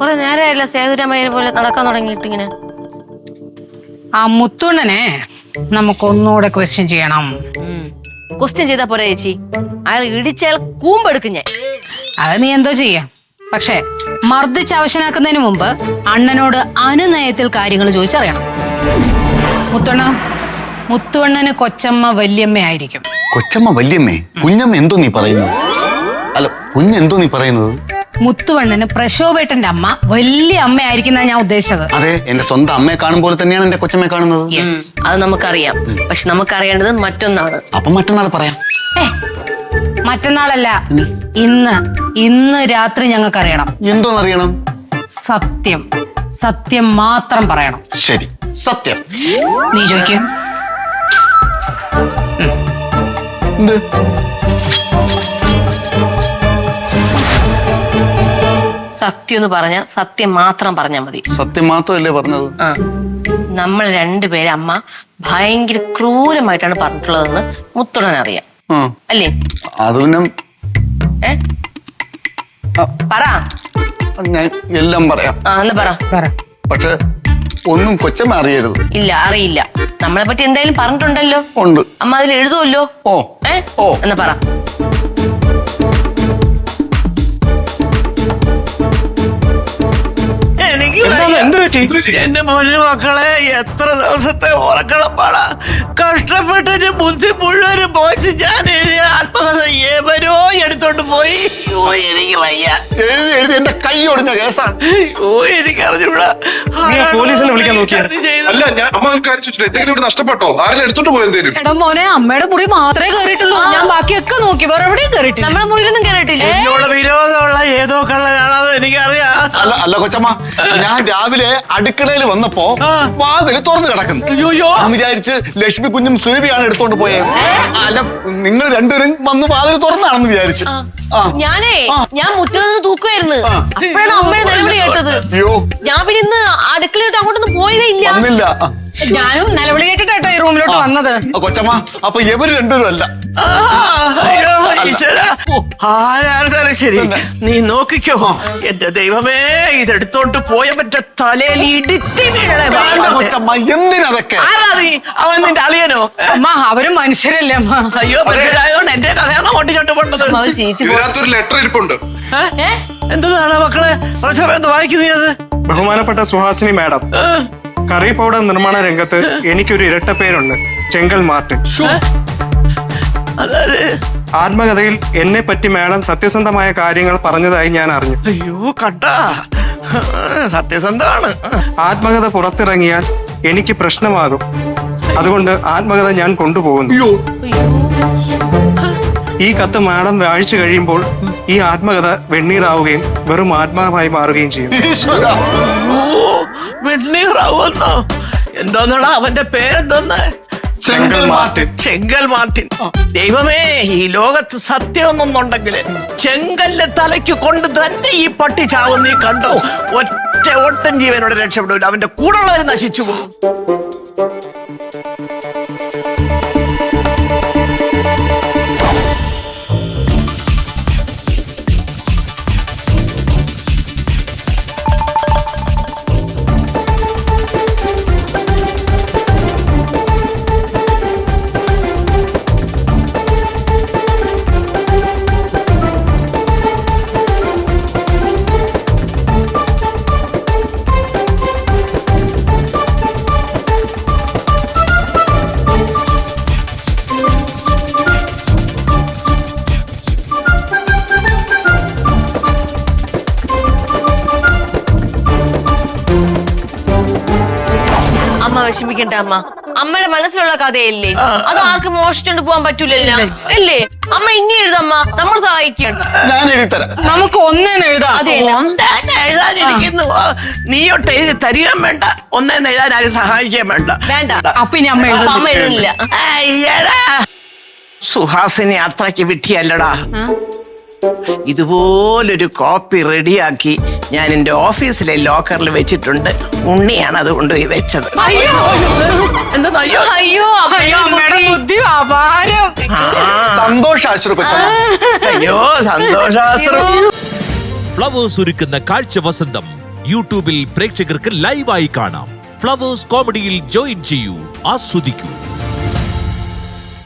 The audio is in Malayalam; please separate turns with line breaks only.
കുറെ നേരമായില്ല സേതുരാമയ്യനെ പോലെ നടക്കാൻ തുടങ്ങിയിട്ട് ഇങ്ങനെ.
ആ മുത്തുണ്ണനെ നമുക്കൊന്നുകൂടെ ക്വസ്റ്റ്യൻ ചെയ്യണം.
ക്വസ്റ്റ്യൻ ചെയ്താ പോരാ ചേച്ചി, അയാൾ ഇടിച്ചയാൾ കൂമ്പെടുക്കും ഞാൻ.
അത് നീ എന്തോ ചെയ്യാം. പക്ഷെ മർദ്ദിച്ച് അവശനാക്കുന്നതിന് മുമ്പ് അണ്ണനോട് അനുനയത്തിൽ കാര്യങ്ങൾ ചോദിച്ചറിയണം. മുത്തുവണ്ണന് കൊച്ചമ്മ വല്യമ്മയായിരിക്കും.
കൊച്ചമ്മ വല്യമ്മേ? കുഞ്ഞമ്മ എന്തോ നീ പറയുന്നത്? അല്ല, കുഞ്ഞെന്തോ നീ പറയുന്നത്?
മുത്തുവണ്ണന് പ്രശോഭേട്ടന്റെ അമ്മ വലിയ അമ്മയായിരിക്കും ഞാൻ ഉദ്ദേശിച്ചത്.
അതെ, എന്റെ സ്വന്തം അമ്മയെ കാണുമ്പോൾ തന്നെയാണ് എന്റെ കൊച്ചമ്മയെ കാണുന്നത്.
അത് നമുക്കറിയാം. പക്ഷെ നമുക്കറിയേണ്ടത് മറ്റൊന്നാണ്.
അപ്പൊ മറ്റന്നാൾ പറയാം.
മറ്റന്നാളല്ല, ഇന്ന് രാത്രി ഞങ്ങൾക്കറിയണം.
എന്തോന്നറിയണം?
സത്യം മാത്രം പറയണം.
ശരി, സത്യം.
നീ ചോദിക്കും.
സത്യം എന്ന് പറഞ്ഞ സത്യം മാത്രം പറഞ്ഞാ മതി.
സത്യം മാത്രമല്ലേ പറഞ്ഞത്?
നമ്മൾ രണ്ടുപേരെ അമ്മ ഭയങ്കര ക്രൂരമായിട്ടാണ് പറഞ്ഞിട്ടുള്ളതെന്ന് മുത്തുണ്ണൻ അറിയാം, അല്ലേ?
അത് പിന്നെ
പറ.
ഞാൻ എല്ലാം പറയാം.
എന്ന് പറ.
പക്ഷെ ഒന്നും കൊച്ചമ്മ അറിയരുത്.
ഇല്ല, അറിയില്ല. നമ്മളെ പറ്റി എന്തായാലും പറഞ്ഞിട്ടുണ്ടല്ലോ.
ഉണ്ട്.
അമ്മ അതിൽ എഴുതുമല്ലോ. എന്ന് പറ.
എന്റെ മോന് മക്കളെ, എത്ര ദിവസത്തെ ഉറക്കളപ്പാടാ. കഷ്ടപ്പെട്ടിട്ട് ബുദ്ധി മുഴുവനും പോയിച്ച് ഞാൻ എഴുതിയ ആത്മകഥ ഏവരോ എടുത്തോണ്ട് പോയി. എനിക്ക് വയ്യ.
എഴുതി എന്റെ കൈ ഒടിഞ്ഞ കേസാണ്.
എനിക്ക് അറിഞ്ഞൂടാ.
പോലീസിനെ വിളിക്കാൻ നോക്കിയാ? അല്ല, ഞാൻ അമ്മ എന്തെങ്കിലും ഇവിടെ നഷ്ടപ്പെട്ടോ? ആരെങ്കിലും എടുത്തോണ്ട് പോയെന്തേലും?
എടാ മോനെ, അമ്മയുടെ മുറി മാത്രമേ കയറിയിട്ടുള്ളൂ. ഞാൻ ബാക്കിയൊക്കെ നോക്കി, വേറെ എവിടെയും കയറിയിട്ടില്ല.
നമ്മളെ മുറിയിലൊന്നും കയറിയിട്ടില്ല.
എന്നോട് വിരോധമുള്ള ഏതോ കള്ളനാണത് എനിക്കറിയാം.
അല്ല കൊച്ചമ്മ, ഞാൻ രാവിലെ അടുക്കളയിൽ വന്നപ്പോ വാതിൽ തുറന്നു കിടക്കുന്നു. ഞാൻ വിചാരിച്ച് ലക്ഷ്മി കുഞ്ഞും സുരഭിയാണ് എടുത്തോണ്ട് പോയത്. അല്ല, നിങ്ങൾ രണ്ടുപേരും വന്ന് വാതിൽ തുറന്നാണെന്ന് വിചാരിച്ചു.
ഞാൻ മുറ്റത്ത് നിന്ന് തൂക്കുമായിരുന്നു. അപ്പോഴാണ് അമ്മയുടെ നിലവിളി കേട്ടത്. ഞാൻ പിന്നെ ഇന്ന് അടുക്കളയോട്ട് അങ്ങോട്ടൊന്നും പോയതേ ഇല്ല.
ഞാനും നിലവിളി കേട്ടിട്ടോ ഈ റൂമിലോട്ട് വന്നത്.
കൊച്ചമ്മ, അപ്പൊ ഇവര് രണ്ടുപേരും അല്ല.
ആരായിരുന്നാലും ശരി, നീ നോക്കിക്കോ. എന്റെ ദൈവമേ, ഇതെടുത്തോണ്ട് പോയ മറ്റേ തലയിൽ ഇടിത്തി വീഴണേ.
കൊച്ചമ്മ, എന്തിനതൊക്കെ?
ആരാ നീ? അവൻ നിന്റെ അളിയനോ?
അമ്മ, അവരും മനുഷ്യരല്ലേ അമ്മ?
അയ്യോ, മനുഷ്യരായതുകൊണ്ട് എന്റെ കഥയാണ് ഓട്ടിച്ചോട്ട് പോണ്ടത്.
ഇതിനകത്തൊരു ലെറ്റർ ഇരിപ്പുണ്ട്.
എന്താണ് മക്കളെ പ്രശോഭ വായിക്കുന്നത്?
ബഹുമാനപ്പെട്ട സുഹാസിനി മാഡം, കറി പൗഡർ നിർമ്മാണ രംഗത്ത് എനിക്കൊരു ഇരട്ട പേരുണ്ട്, ചെങ്കൽ മാർട്ടിൻ. ആത്മകഥയിൽ എന്നെ പറ്റി മാഡം സത്യസന്ധമായ കാര്യങ്ങൾ പറഞ്ഞതായി ഞാൻ അറിഞ്ഞു.
അയ്യോ, കണ്ടാ, സത്യസന്ധമാണ്.
ആത്മകഥ പുറത്തിറങ്ങിയാൽ എനിക്ക് പ്രശ്നമാകും. അതുകൊണ്ട് ആത്മകഥ ഞാൻ കൊണ്ടുപോകുന്നു. ഈ കത്ത് മാഡം വായിച്ചു കഴിയുമ്പോൾ ഈ ആത്മകഥ വെണ്ണീറാവുകയും വെറും ആത്മാവായി മാറുകയും ചെയ്യും.
വെണ്ണീറാവുന്നോ? എന്തോന്നടാ അവന്റെ പേരെന്തോന്ന്?
ചെങ്കൽ മാർട്ടിൻ.
ചെങ്കൽ മാർട്ടിൻ. ദൈവമേ, ഈ ലോകത്ത് സത്യമൊന്നുണ്ടെങ്കിൽ ചെങ്കല്ല് തലയ്ക്ക് കൊണ്ട് തന്നെ ഈ പട്ടി ചാവും. നീ കണ്ടോ? ഒറ്റ ഒട്ടൻ ജീവനോട് രക്ഷപ്പെടില്ല. അവന്റെ കൂടെയുള്ളവർ നശിച്ചു പോകും.
വിഷമിക്കണ്ട അമ്മ. അമ്മയുടെ മനസ്സിലുള്ള കഥയല്ലേ, അത് ആർക്കും മോഷിച്ചോണ്ട് പോകാൻ പറ്റൂലല്ലോ, അല്ലേ? അമ്മ ഇനി എഴുതമ്മ, നമ്മൾ സഹായിക്കണം.
ഞാൻ എഴുതിത്തരാം.
നമുക്ക് ഒന്നേന്ന് എഴുതാം.
എഴുതാനിരിക്കുന്നു. നീയൊട്ട് എഴുതി തരികയും വേണ്ട, ഒന്നേന്ന് എഴുതാൻ ആരും സഹായിക്കുകയും വേണ്ട.
അപ്പൊ ഇനി അമ്മ
എഴുതില്ല.
അയ്യടാ, സുഹാസിനി അത്രയ്ക്ക് വിട്ടിയല്ലടാ. ഇതുപോലൊരു കോപ്പി റെഡിയാക്കി ഞാൻ എന്റെ ഓഫീസിലെ ലോക്കറിൽ വെച്ചിട്ടുണ്ട്. ഉണ്ണിയാണ് അത് കൊണ്ടുപോയി വെച്ചത്. എന്താ?
അയ്യോ,
ബുദ്ധി അപാരം.
സന്തോഷാശ്രു കൊച്ചമ്മ.
അയ്യോ, സന്തോഷാശ്രു.
ഫ്ലവേഴ്സ് ഒരുക്കുന്ന കാഴ്ച വസന്തം യൂട്യൂബിൽ പ്രേക്ഷകർക്ക് ലൈവായി കാണാം. ഫ്ലവേഴ്സ് കോമഡിയിൽ ജോയിൻ ചെയ്യൂ, ആസ്വദിക്കൂ.